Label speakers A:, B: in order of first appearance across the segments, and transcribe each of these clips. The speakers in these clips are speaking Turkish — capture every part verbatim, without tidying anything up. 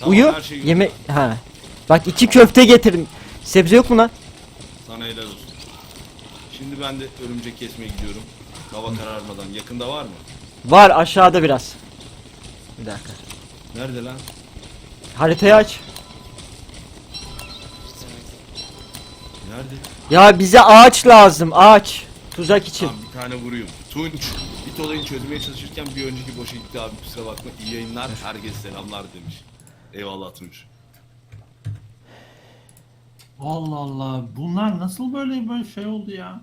A: Tamam,
B: Uyu.
A: her şey
B: Yemek. Ha. Bak iki köfte getirdim. Sebze yok mu lan?
A: Sana helal olsun. Şimdi ben de örümcek kesmeye gidiyorum. Hava kararmadan. Yakında var mı?
B: Var aşağıda biraz. Bir dakika.
A: Nerede lan?
B: Haritayı aç.
A: Nerede?
B: Ya bize ağaç lazım. Ağaç. Tuzak için.
A: Tamam, bir tane vurayım. Tunç. Bit olayını çözmeye çalışırken bir önceki boşa gitti abi. Kusura bakma. İyi yayınlar. Herkese selamlar demiş. Eyvallah Tunç.
C: Allah Allah. Bunlar nasıl böyle böyle şey oldu ya?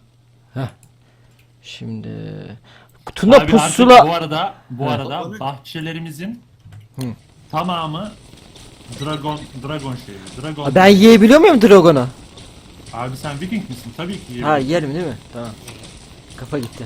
B: Şimdi Tuna
C: Abi artık
B: pusula.
C: bu arada bu
B: He.
C: arada bahçelerimizin
B: Hı.
C: tamamı dragon dragon şeyi. Dragon.
B: Ben yiyebiliyor muyum Dragon'u?
C: Abi sen Viking misin? Tabii ki yiyebilirsin.
B: Ha yerim değil mi? Tamam. Kafa gitti.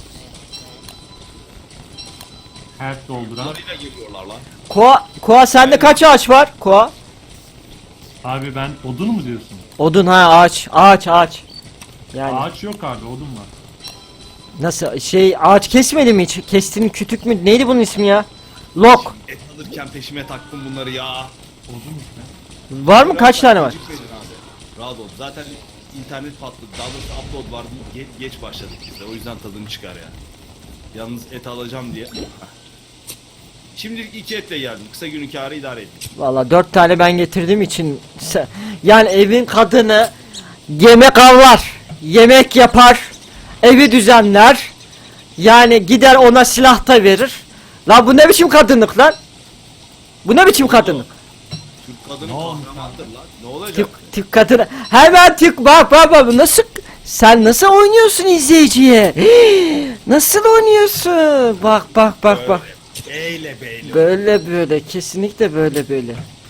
C: Her dolduran.
A: Bunlarıyla geliyorlar lan.
B: Koa, Koa sende kaç ağaç var? Koa.
C: Abi ben odun mu diyorsun?
B: Odun ha ağaç. Ağaç ağaç. Yani
C: Ağaç yok abi, odun var.
B: nasıl şey ağaç kesmedi mi hiç? Kestiğin kütük mü? Neydi bunun ismi ya? Lok.
A: Et alırken peşime taktım bunları ya.
C: Odun işte.
B: Var mı? Kaç tane var?
A: Gecikmedin abi. Rahat ol. Zaten internet patladı. Daha doğrusu upload vardı. Ge geç başladık biz de. O yüzden tadını çıkar ya. Yalnız et alacağım diye. Şimdilik iki etle geldim. Kısa günün kârı idare ettim.
B: Valla dört tane ben getirdiğim için se- yani evin kadını yemek avlar, yemek yapar, evi düzenler. Yani gider ona silah da verir. La bu ne biçim kadınlık lan? Bu ne biçim kadınlık?
A: Türk kadını
C: Ne olmuş
A: kahramandır lan. Ne olacak?
B: Tük, tük kadını. Hemen tük bak bak bak nasıl sen nasıl oynuyorsun izleyiciye? Hii, nasıl oynuyorsun? Bak bak bak bak.
A: Beyle beyle.
B: Böyle böyle kesinlikle böyle böyle.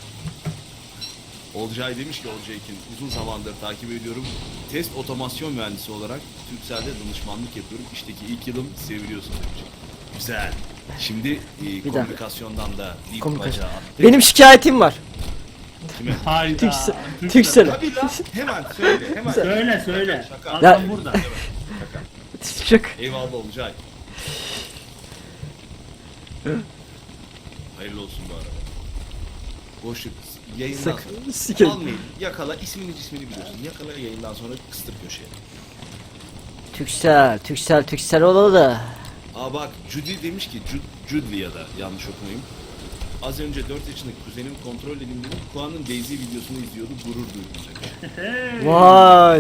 A: Olcay demiş ki Olcay'kin uzun zamandır takip ediyorum. Test otomasyon mühendisi olarak Turkcell'de danışmanlık yapıyorum. İşteki ilk yılım seviliyorsun demiş. Güzel. Şimdi e,
B: dakika.
A: komünikasyondan da bir
B: Komünikasyon.
A: bacağı attık.
B: Benim şikayetim var.
A: Kime?
C: Hayda.
B: Türksel.
C: Türksel.
B: Türksel.
A: Tabii lan. Hemen söyle. Hemen.
C: Söyle söyle.
A: Şaka.
C: Adam
B: Ya-
C: burada.
B: Çık.
A: Eyvallah Olcay. Hayırlı olsun bu arada. Boşluk yayından
B: Sık.
A: sonra.
B: Sikerim.
A: Almayın. Yakala. ismini cismini biliyorsun. Yakala yayından sonra kıstır köşeye.
B: Türksel, Türksel, Türksel olalı da.
A: Aa bak Judy demiş ki Ju- Judy ya da yanlış okumayayım. Az önce dört yaşındaki kuzenim kontrol edeyim dedim. Kuan'ın Daisy videosunu izliyordu. Gurur duydum demiş.
C: Hey.
B: Vay.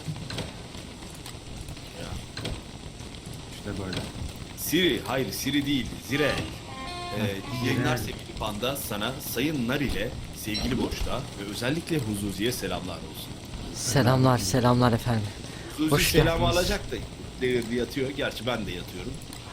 C: İşte böyle.
A: Siri, hayır Siri değil, Zire. Ee, iyi yayınlar sevgili Panda, sana Sayın Nar ile sevgili Boşta ve özellikle Huzuzi'ye selamlar olsun.
B: Selamlar, selamlar efendim.
A: Huzuzi
B: Hoş
A: selamı
B: geldiniz.
A: alacak da delirdi yatıyor. Gerçi ben de yatıyorum.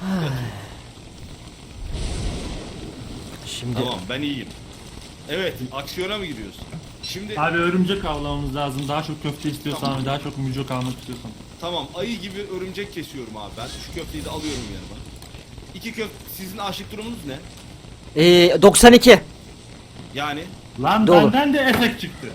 B: Şimdi
A: Tamam ben iyiyim. Evet aksiyona mı giriyorsun? Şimdi
C: Abi örümcek avlamamız lazım. Daha çok köfte istiyorsan
A: Tamam.
C: ve daha çok mücok almak istiyorsan.
A: tamam ayı gibi örümcek kesiyorum abi ben. Şu köfteyi de alıyorum yanıma. İki köfte, sizin açlık durumunuz ne?
B: ee, doksan iki.
A: Yani
C: Lan
B: Dolu.
C: benden de efekt çıktı.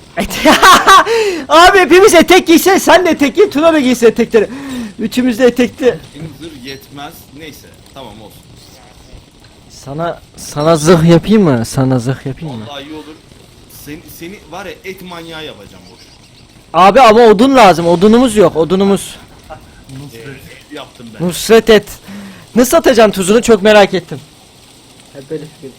B: Abi hepimiz etek giyse sen de etek giy, Tuna da giyse etekleri. Üçümüz de etekli.
A: zırh yetmez. Neyse tamam olsun.
B: Sana sana zırh yapayım mı? Sana zırh yapayım mı?
A: Vallahi iyi olur. Seni, seni var ya et manyağı yapacağım boş.
B: Abi ama odun lazım. Odunumuz yok. Odunumuz.
C: Nusret.
A: Ee, yaptım ben.
B: Nusret et. Nasıl atacaksın tuzunu çok merak ettim. Hep böyle fikir.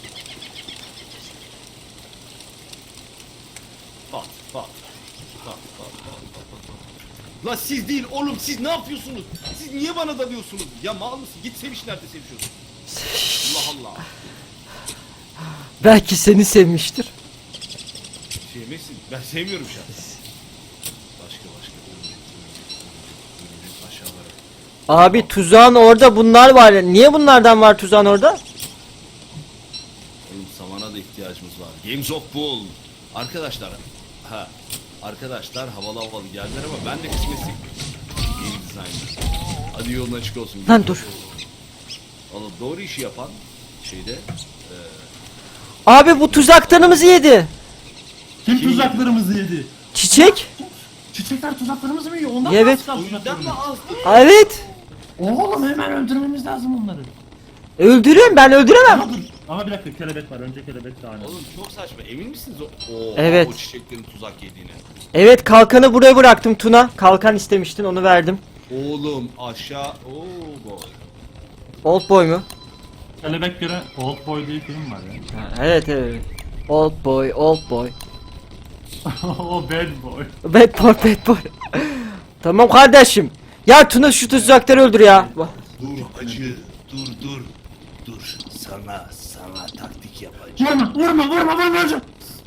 A: Pat pat. Pat pat pat pat pat. pat. La siz değil oğlum siz ne yapıyorsunuz? Siz niye bana dalıyorsunuz? Ya mal mısın? Git seviş nerede sevişiyorsun? Allah Allah.
B: Belki seni sevmiştir.
A: Sevmesin. Ben sevmiyorum şu an. Başka başka. Örümcek, örümcek, örümcek, aşağılara.
B: Abi tuzağın orada bunlar var. Niye bunlardan var tuzağın orada?
A: Oğlum samana da ihtiyacımız var. Games of Bull. Arkadaşlar. Ha. Arkadaşlar havalı havalı geldiler ama ben de kısmetliyim. Game designer. Hadi yolun açık olsun.
B: Lan dur.
A: Valla doğru işi yapan şeyde
B: Abi bu tuzaklarımızı yedi.
C: Kim tuzaklarımızı yedi?
B: Çiçek?
C: Çiçekler tuzaklarımızı mı yiyor? Ondan
B: Evet.
C: mı az kaldı
A: o yüzden mi
C: tuzaklarımız?
A: azdı?
B: Evet.
C: Oğlum hemen öldürmemiz lazım onları.
B: Öldürün ben öldüremem.
C: Aa, dur. Ama bir dakika kelebek var. Önce kelebek daha önemli.
A: Oğlum çok saçma. Emin misiniz o, o,
B: Evet.
A: o çiçeklerin tuzak yediğine?
B: Evet, kalkanı buraya bıraktım Tuna. Kalkan istemiştin, onu verdim.
A: Oğlum aşağı. Oo boy.
B: Old Boy mu?
C: Kelebek göre Old Boy diye film var ya.
B: Ha, evet evet. Old Boy, Old Boy.
C: O bad boy.
B: Bad Boy, Bad Boy. Tamam kardeşim. Ya Tuna şu tuzakları öldür ya.
A: Dur acı. Dur dur. Dur. Sana sana taktik yapacağım.
C: Vurma vurma vurma vurma hocam.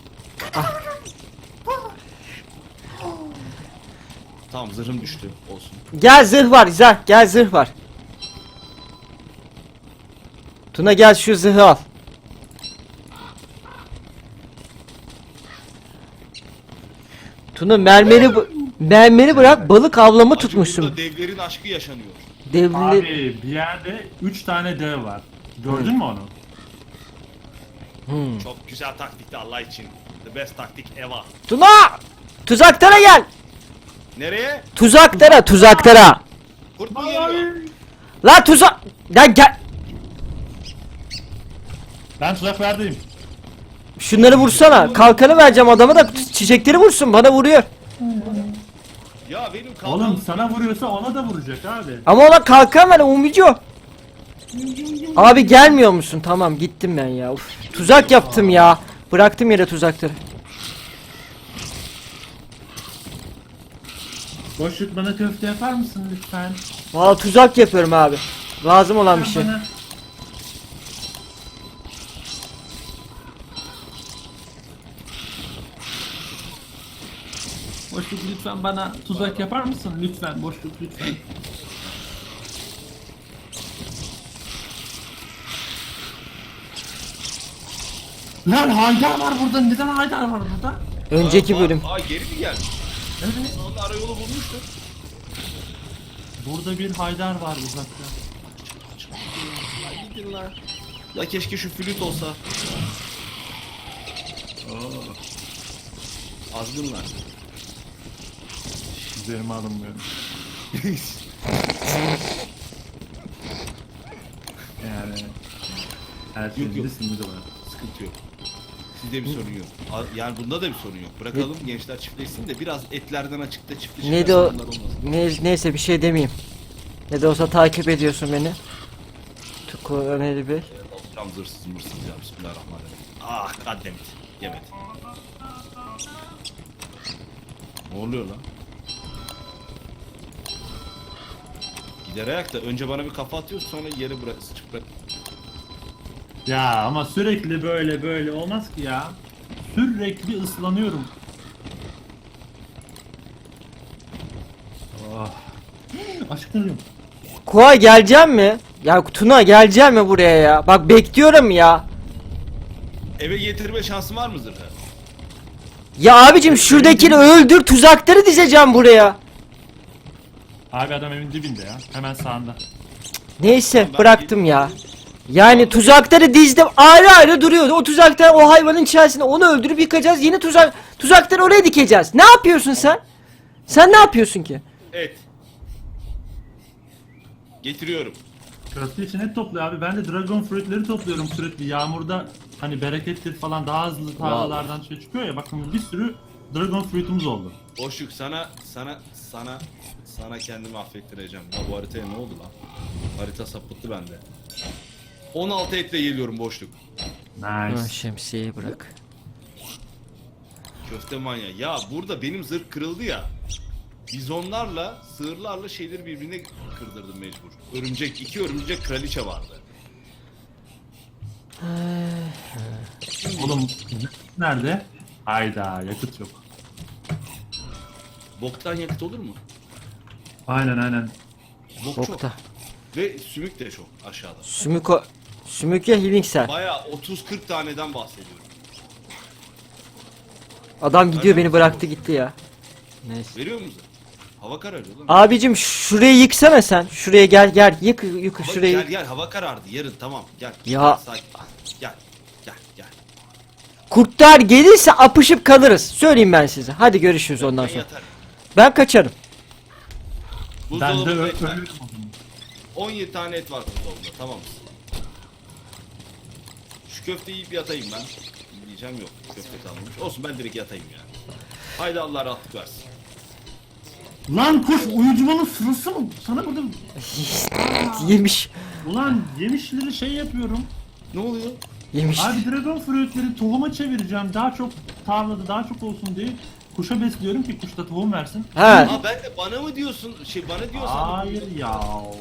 A: Tamam zırhım düştü. Olsun.
B: Gel zırh var, güzel. Gel zırh var. Tuna gel şu zırhı al. Tuna mermeri bu mermeri bırak, balık avlama
A: Acı,
B: tutmuşsun.
A: burada devlerin aşkı yaşanıyor.
B: Devli
C: Abi bir yerde üç tane dev var. Gördün mü onu?
B: Hmm.
A: Çok güzel taktikti Allah için. The best taktik ever.
B: Tuna! Tuzaklara gel.
A: Nereye?
B: Tuzaklara, tuzaklara.
A: Kurt mu geliyor?
B: La tuzak. Lan gel.
C: Ben tuzak verdim.
B: Şunları vursana. Kalkanı vereceğim adama da çiçekleri vursun. Bana vuruyor.
A: Ya benim kalkan...
C: Oğlum sana vuruyorsa ona da vuracak abi.
B: Ama ona kalkan ver, umucu. Abi gelmiyor musun? Tamam gittim ben ya. Uf, tuzak yaptım ya. Bıraktım yere tuzakları.
C: Boşluk bana köfte yapar mısın lütfen?
B: Valla tuzak yapıyorum abi. Lazım olan bir şey.
C: Bana- Boşluk lütfen bana tuzak yapar mısın? Lütfen boşluk lütfen. Lan Haydar var burada. Neden Haydar var burada?
B: Önceki
A: Aa,
B: bölüm.
A: Aa geri mi geldi?
C: Evet.
A: Onun arayolu bulmuştu.
C: Burada bir Haydar var uzakta.
A: Ay gidin lan. Ya keşke şu flüt olsa. Aa. Azgınlar.
C: Üzerime alınmıyorum. Yani her şeyin
A: Yok, yok.
C: bir sınırı var.
A: Sıkıntı yok. Sizde bir sorun yok. A- Yani bunda da bir sorun yok. Bırakalım gençler çiftleşsin de biraz etlerden açıkta çiftleşirler.
B: Neydi o?
A: sorunlar olmasın.
B: Ne, neyse bir şey demeyeyim. Ne de olsa takip ediyorsun beni. Tukuran bir.
A: Alacağım zırsız mırsız ya bismillahirrahmanirrahim. Ah goddammit. Yemedi. Ne oluyor lan? Gider ayakta önce bana bir kafa atıyorsun sonra yere bırak sıçıp bırak.
C: Ya ama sürekli böyle böyle olmaz ki ya. Sürekli ıslanıyorum. Oh. Aşkım.
B: Koa geleceğim mi? Ya Tuna geleceğim mi buraya ya? Bak bekliyorum ya.
A: Eve getirme şansın var mı zırhı?
B: Ya abicim şuradakini öldür, tuzakları dizeceğim buraya.
C: Abi adam evin dibinde ya. Hemen sağında.
B: Neyse
A: Ben
B: bıraktım ya. Yani tuzakları dizdim, ayrı ayrı duruyordu. O tuzaklar o hayvanın içerisinde, onu öldürüp yıkacağız. Yeni tuzak tuzakları oraya dikeceğiz. Ne yapıyorsun sen? Sen ne yapıyorsun ki?
A: Et. Getiriyorum.
C: Köfte için et topluyor abi. Ben de dragon fruitleri topluyorum sürekli. Yağmurda hani berekettir falan daha hızlı tarlalardan şey çıkıyor ya. Bakın bir sürü dragon fruitumuz oldu.
A: Boşluk sana sana sana sana kendimi affettireceğim. Ya bu haritaya ne oldu lan? Harita sapıttı bende. on altı etle geliyorum boşluk.
C: Nice.
B: Şemsiyeyi bırak.
A: Köfte manya. Ya burada benim zırh kırıldı ya. Bizonlarla, sığırlarla şeyleri birbirine kırdırdım mecbur. Örümcek, iki örümcek kraliçe vardı.
C: Oğlum nerede? Hayda yakıt yok.
A: Boktan yakıt olur mu?
C: Aynen aynen.
A: Bok çok.
B: Bokta.
A: Ve sümük de çok aşağıda.
B: Sümük o. Sümük ya healing cell.
A: Baya otuz kırk taneden bahsediyorum.
B: Adam gidiyor, beni bıraktı gitti ya. Neyse.
A: Veriyor musun? Hava kararıyor lan.
B: Abicim şurayı yıksana sen. Şuraya gel gel yık yık
A: Hava-
B: şurayı.
A: Gel gel hava karardı yarın tamam gel.
B: Ya.
A: Gel, sakin. Gel gel gel.
B: Kurtlar gelirse apışıp kalırız. Söyleyeyim ben size. Hadi görüşürüz ondan
A: Ben
B: sonra.
A: yatarım.
B: Ben kaçarım.
C: Ben de
A: Buzdolabında
C: ö-
A: et var.
C: ölürüm o zaman.
A: on yedi tane et var buzdolabında tamam mısın? Şu şu köfteyi yiyip yatayım ben. Diyeceğim yok. Köfte kalmamış. Olsun ben direkt yatayım ya. Haydi Allah rahatlık versin.
C: Lan kuş uyucumanın sırası mı? Sana burada
B: Yemiş.
C: ulan yemişleri şey yapıyorum.
A: Ne oluyor?
B: Yemiş.
C: Abi dragon fruitleri tohuma çevireceğim. Daha çok tarlada daha çok olsun diye kuşa besliyorum ki kuş da tohum versin.
B: He.
A: Aa ben de bana mı diyorsun? Şey bana diyorsan.
C: Hayır ya.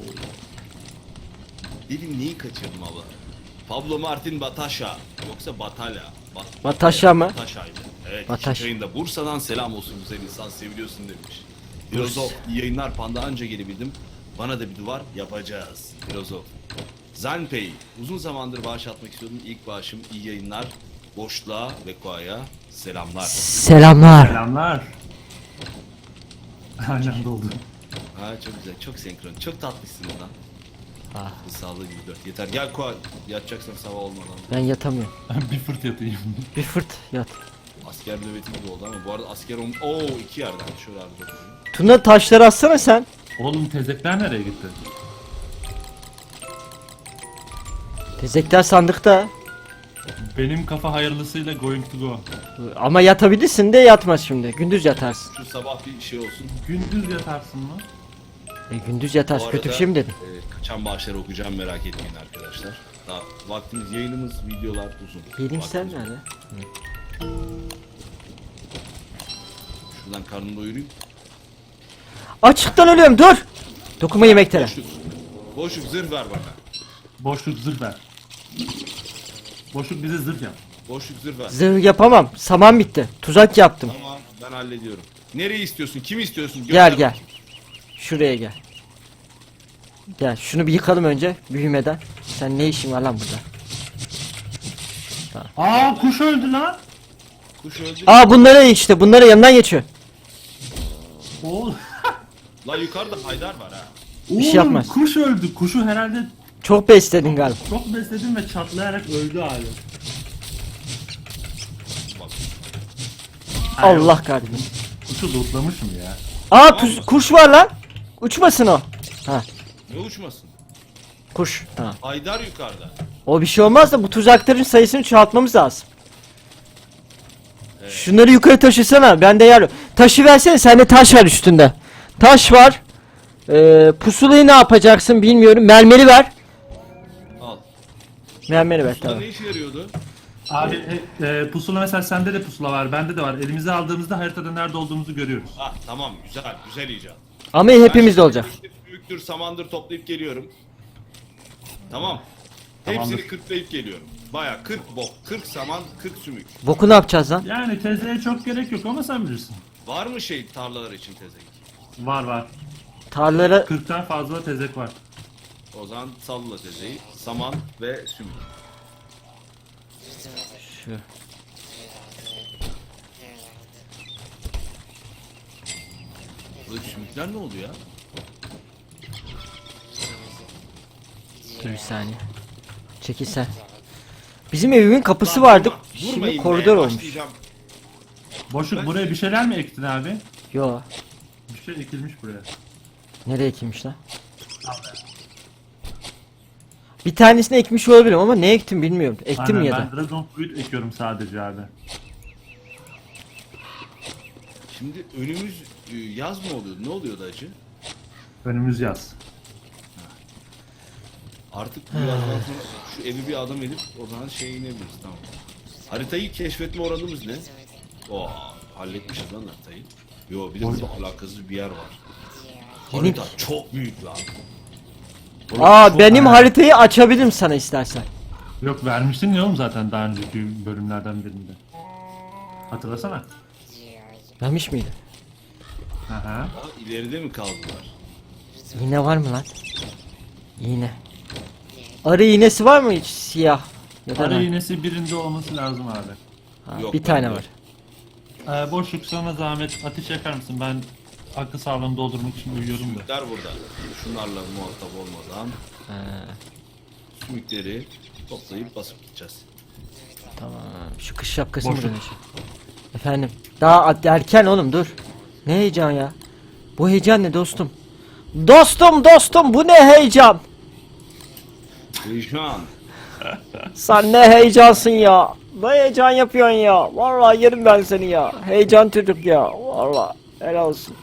A: Dedim neyi kaçırdım abla? Pablo Martin Batasha yoksa Batala. Bat
B: Batasha mı?
A: Batasha'ydı. Evet.
B: Bataş.
A: Bataş. Yayında Bursa'dan selam olsun güzel insan seviliyorsun demiş. Filozof iyi yayınlar panda anca gelebildim. Bana da bir duvar yapacağız. Filozof. Zanpei uzun zamandır bağış atmak istiyordum. İlk bağışım iyi yayınlar. Boşluğa ve Koa'ya selamlar.
B: Selamlar.
C: Selamlar. Aynen doldu.
A: Ha çok güzel, çok senkron, çok tatlısın lan.
B: Ah.
A: Sağlığı gibi dört. Yeter gel Koa, yatacaksan sabah olmadan.
B: Ben yatamıyorum.
C: Bir fırt yatayım.
B: Bir fırt yat.
A: Asker nöbeti gibi oldu ama bu arada asker on... Oo iki yerden şöyle abi bakayım.
B: Tuna taşları atsana sen.
C: Oğlum tezekler nereye gitti?
B: Tezekler sandıkta.
C: Benim kafa hayırlısıyla going to go.
B: Ama yatabilirsin de yatmaz şimdi. Gündüz yatarsın.
A: Şu sabah bir şey olsun.
C: Gündüz yatarsın mı?
B: E, gündüz yatarsın.
A: Bu
B: Kötü bir
A: arada,
B: şey mi dedim?
A: e, kaçan bağışları okuyacağım merak etmeyin arkadaşlar. Daha vaktimiz, yayınımız, videolar uzun.
B: Yedim sen
A: Vaktimiz-
B: nerede?
A: Şuradan karnımı doyurayım.
B: Açıktan ölüyorum dur. Dokunma yemeklere.
A: Boşluk. Boşluk zırh ver bana.
C: Boşluk zırh ver. Boşluk bize zırh yap.
A: Boşluk zırh ver.
B: Zırh yapamam. Saman bitti. Tuzak yaptım.
A: Tamam ben hallediyorum. Nereyi istiyorsun? Kimi istiyorsun? Gönder
B: Gel gel.
A: bakayım.
B: Şuraya gel. Gel şunu bir yıkalım önce büyümeden. Sen ne işin var lan burada?
C: Aa kuş öldü lan.
A: Kuş öldü.
B: Aa bunları işte bunları yanından geçiyor.
C: Oğlum.
A: La yukarıda Haydar var ha.
B: Bir şey
C: Oğlum,
B: yapmaz.
C: kuş öldü. Kuşu herhalde
B: Çok besledin galiba.
C: çok besledim ve çatlayarak öldü abi.
A: Bak.
B: Allah kahretsin.
C: Kuşu lootlamışım ya.
B: Aa pus- kuş var lan. Uçmasın o. Ha
A: Ne uçmasın?
B: kuş. Tamam.
A: Haydar yukarıda.
B: O bir şey olmaz da bu tuzakların sayısını çoğaltmamız lazım. Şunları yukarı taşısana. Bende yer yok. Taşı versene. Sende taş var üstünde. Taş var. Ee, pusulayı ne yapacaksın bilmiyorum. Mermeri ver.
A: Al.
B: Mermeri ver
A: Pusula
B: tamam.
A: ne işe yarıyordu?
C: Abi e, e, pusula mesela sende de pusula var, bende de var. Elimize aldığımızda haritada nerede olduğumuzu görüyoruz.
A: Ah tamam güzel güzel icat.
B: Ama hepimizde
A: Ben
B: olacak.
A: şimdi Büyüktür samandır toplayıp geliyorum. Tamam.
C: Tamamdır.
A: Hepsini kırklayıp geliyorum. Baya kırk bok, kırk saman, kırk sümük.
B: Boku ne yapacağız lan?
C: Yani tezeye çok gerek yok ama sen bilirsin.
A: Var mı şey tarlalar için tezek?
C: Var var.
B: Tarlara
C: kırktan fazla tezek var.
A: O zaman salla tezeyi. Saman ve sümük.
B: şu.
A: Buradaki sümükler ne oldu ya?
B: Dur bir saniye. Çekil sen. Bizim evimin kapısı
A: Lan
B: vardı.
A: durma,
B: Şimdi
A: durmayın be,
B: koridor olmuş.
A: başlayacağım.
C: Boşluk
A: Ben-
C: buraya bir şeyler mi ektin abi?
B: Yo.
C: Bir şey ekilmiş buraya.
B: Nereye ekilmiş lan? Bir tanesini ekmiş olabilirim ama ne ektim bilmiyorum. Ektim mi
C: Aynen,
B: ya da?
C: ben dragon fruit ekiyorum sadece abi.
A: Şimdi önümüz e, yaz mı oluyordu? Ne oluyordu acı?
C: Önümüz yaz.
A: Artık bu yazdan sonra şu evi bir adam edip o zaman şey inebiliriz tamam. Haritayı keşfetme oranımız ne? Oo, halletmişiz lan haritayı. Yo bir de burada alakasız bir yer var.
B: Yeni-
A: Harita çok büyük lan. Oğlum,
B: Aa
A: çok-
B: benim
C: Ha.
B: haritayı açabilirim sana istersen.
C: Yok vermiştin ya oğlum zaten daha önceki bölümlerden birinde. Hatırlasana.
B: Vermiş miydi?
C: Aha.
A: Aa, ileride mi kaldılar?
B: İğne var mı lan? İğne. Arı iğnesi var mı hiç siyah? Ya da
C: Arı
B: ne?
C: iğnesi birinde olması lazım abi.
B: Ha,
A: Yok,
B: bir tane
A: bende
B: var.
C: Ee, boşluk sana zahmet ateş yakar mısın? Ben akıl sağlığımı doldurmak için uyuyorum da.
A: Sümükler burada. Şunlarla muhatap olmadan
B: Ha,
A: sümükleri toplayıp basıp gideceğiz.
B: tamam. Şu kış şapkası mı
C: Boşluk.
B: dönüyor? Efendim. Daha at- erken oğlum dur. Ne heyecan ya? Bu heyecan ne dostum? Dostum dostum bu ne heyecan?
A: Heyecan.
B: Sen ne heyecansın ya. Ne heyecan yapıyorsun ya. Vallahi yerim ben seni ya. Heyecan çocuk ya. Vallahi helal olsun.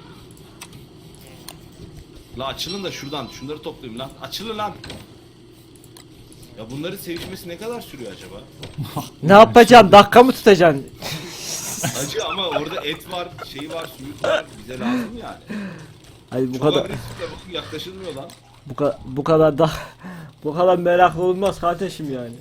A: La açılın da şuradan şunları toplayayım lan. Açılın lan. Ya bunların sevişmesi ne kadar sürüyor acaba?
B: Ne yapacağım? Dakika mı tutacaksın?
A: Acı ama orada et var, şey var, suyu var. Bize lazım yani.
B: Hayır bu
A: Çok
B: kadar
A: agresif de bakın yaklaşılmıyor lan.
B: bu kadar bu kadar da bu kadar meraklı olmaz kardeşim yani.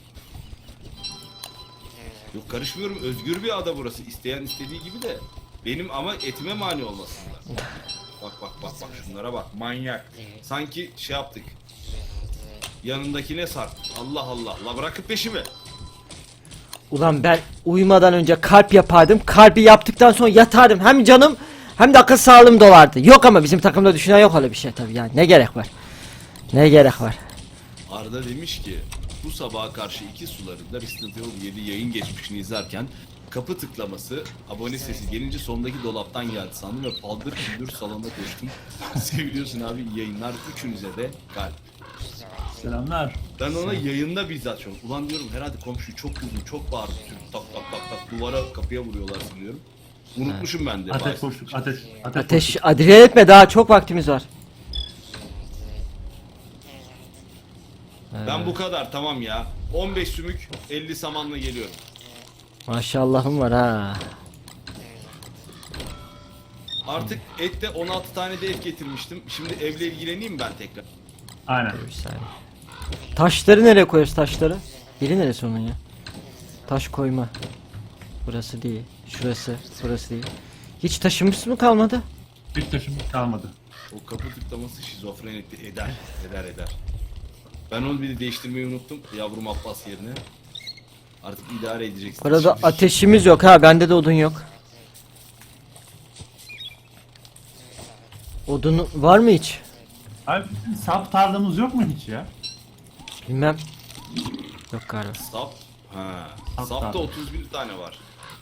A: Yok karışmıyorum. Özgür bir ada burası. İsteyen istediği gibi de. Benim ama etime mani olmasınlar. Bak bak bak bak şunlara bak. Manyak. Sanki şey yaptık. Yanındakine sar. Allah Allah. La bırakıp peşimi.
B: Ulan ben uyumadan önce kalp yapardım. Kalbi yaptıktan sonra yatardım. Hem canım hem de akıl sağlığım dolardı. Yok ama bizim takımda düşünen yok öyle bir şey tabii yani. Ne gerek var? Ne gerek var?
A: Arda demiş ki bu sabaha karşı iki sularında Resident Evil yedi yayın geçmişini izlerken kapı tıklaması, abone sesi gelince sondaki dolaptan geldi sandım ve paldır küldür salona koştum. Seviliyorsun abi, iyi yayınlar, üçünüze de kalp.
C: Selamlar.
A: Ben ona yayında bizzat çok. Ulan diyorum herhalde komşu çok kızdı, çok bağırdı. Tak tak tak tak duvara kapıya vuruyorlar sanıyorum. Unutmuşum ben de.
C: Ateş
A: maalesef.
C: boşluk, ateş. Ateş,
B: Ateş
C: boşluk.
B: adile etme, daha çok vaktimiz var.
A: Ben bu kadar tamam ya. on beş sümük elli samanla geliyorum.
B: Maşallahım var ha.
A: Artık ette on altı tane de et getirmiştim. Şimdi evle ilgileneyim ben tekrar.
C: Aynen.
B: Bir saniye. Taşları nereye koyuyoruz taşları? Biri neresi onun ya? Taş koyma. Burası değil. Şurası. Burası değil. Hiç taşımız mı kalmadı?
C: Hiç taşım kalmadı.
A: O kapı tıklaması şizofren etti. Eder. Eder eder. Ben onu bir de değiştirmeyi unuttum. Yavrum Abbas yerine. Artık idare edeceksin.
B: Burada
A: Şimdi-
B: ateşimiz yok ha. Bende de odun yok. Odun var mı hiç?
C: Abi sap tarlamız yok mu hiç ya?
B: Bilmem. Yok galiba.
A: Sap. Ha.
C: Sap
A: Sapta
C: da.
A: otuz bir tane var.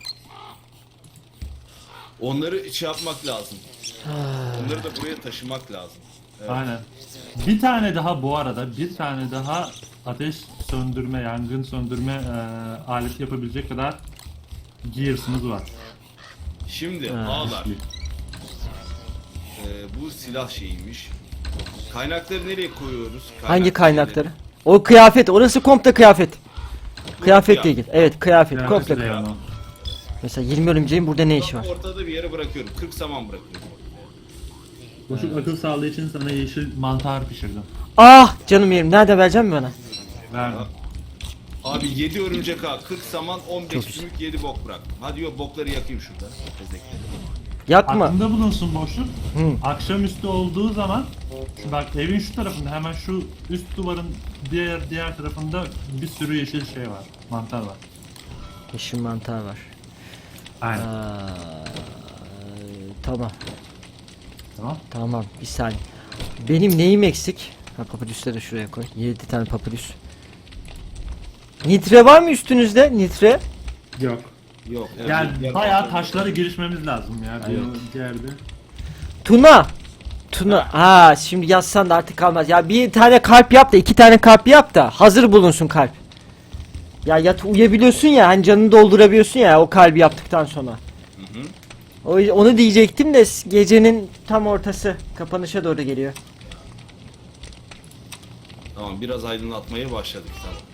A: Onları şey yapmak lazım. Onları da buraya taşımak lazım. Evet.
C: Aynen. Bir tane daha bu arada, bir tane daha ateş söndürme, yangın söndürme e, aleti yapabilecek kadar gears'ımız var.
A: Şimdi ağlar. Ee, bu silah şeyiymiş. Kaynakları nereye koyuyoruz? Kaynak
B: Hangi kaynakları?
A: şeyleri.
B: O kıyafet. Orası komple kıyafet. Kıyafetle
A: kıyafet.
B: ilgili. Evet kıyafet.
C: Yani
B: Komple.
C: size yani o.
B: Mesela yirmi örümceğin burada ne işi var?
A: Ortada bir yere bırakıyorum. kırk saman bırakıyorum.
C: Boşluk akıl sağlığı için sana yeşil mantar pişirdim.
B: Ah canım yerim. Nerede vereceğim mi bana?
C: Verdim.
A: Abi yedi örümcek ağ, kırk saman, on beş
B: Çok güzel.
A: sümük, yedi bok bırak. Hadi yok bokları yakayım şurada. Tezekleri.
B: Yakma.
C: Aklında bulunsun boşluk.
B: Hı.
C: Akşamüstü olduğu zaman şu bak evin şu tarafında hemen şu üst duvarın diğer diğer tarafında bir sürü yeşil şey var. Mantar var.
B: Yeşil mantar var.
C: Aynen.
B: Aa, tamam.
C: Tamam.
B: Tamam. Bir saniye. Benim neyim eksik? Ha, papyrus'ları da şuraya koy. yedi tane papyrus. Nitre var mı üstünüzde? Nitre?
C: Yok.
A: Yok.
C: Yani
A: yer-
C: bayağı taşlara girişmemiz lazım ya bir yerde.
B: Tuna. Tuna. Ha şimdi yazsan da artık kalmaz. Ya bir tane kalp yap da iki tane kalp yap da hazır bulunsun kalp. Ya yat uyuyabiliyorsun ya hani canını doldurabiliyorsun ya o kalbi yaptıktan sonra.
A: Hı hı.
B: O, onu diyecektim de gecenin tam ortası kapanışa doğru geliyor.
A: Tamam biraz aydınlatmaya başladık. Tamam.